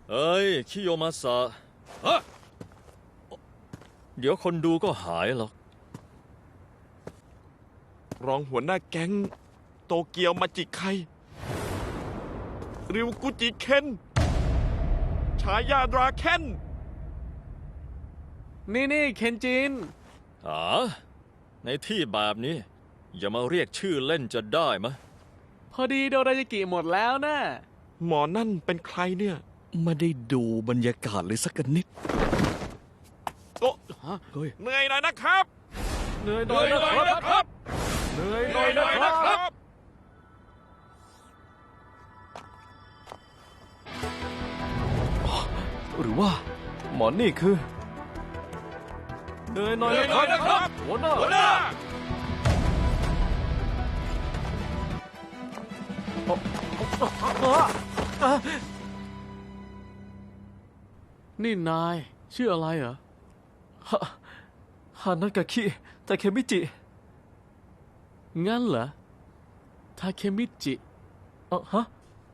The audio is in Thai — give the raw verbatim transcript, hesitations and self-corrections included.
เอ้ยคิโยมาสะฮะเดี๋ยวคนดูก็หายหรอกรองหัวหน้าแก๊งโตเกียวมาจิไคริวกุจิเคนฉายาดราเคนนี่นี่เคนจินอ๋อในที่แบบนี้ อย่ามาเรียกชื่อเล่นจะได้มะพอดีโดรายากิหมดแล้วนะหมอนั่นเป็นใครเนี่ยไม่ได้ดูบรรยากาศเลยสักนิดโอ้เฮ้ยเหนื่อยหน่อยนะครับเหนื่อยหน่อยนะครับเหนื่อยหเหน่นื่ออย ยหหน่น่ออย ยนะนะคครัรับ บหรือว่าหมอนี่คือเหนื่อยหน่อยเหนื่อยหน่อยนะครับหัวหน้าหัวหน้านี่นายชื่ออะไรเหรอฮะฮานากาคิแต่เคมิจิงั้นเหรอทาเคมิจิเออฮะ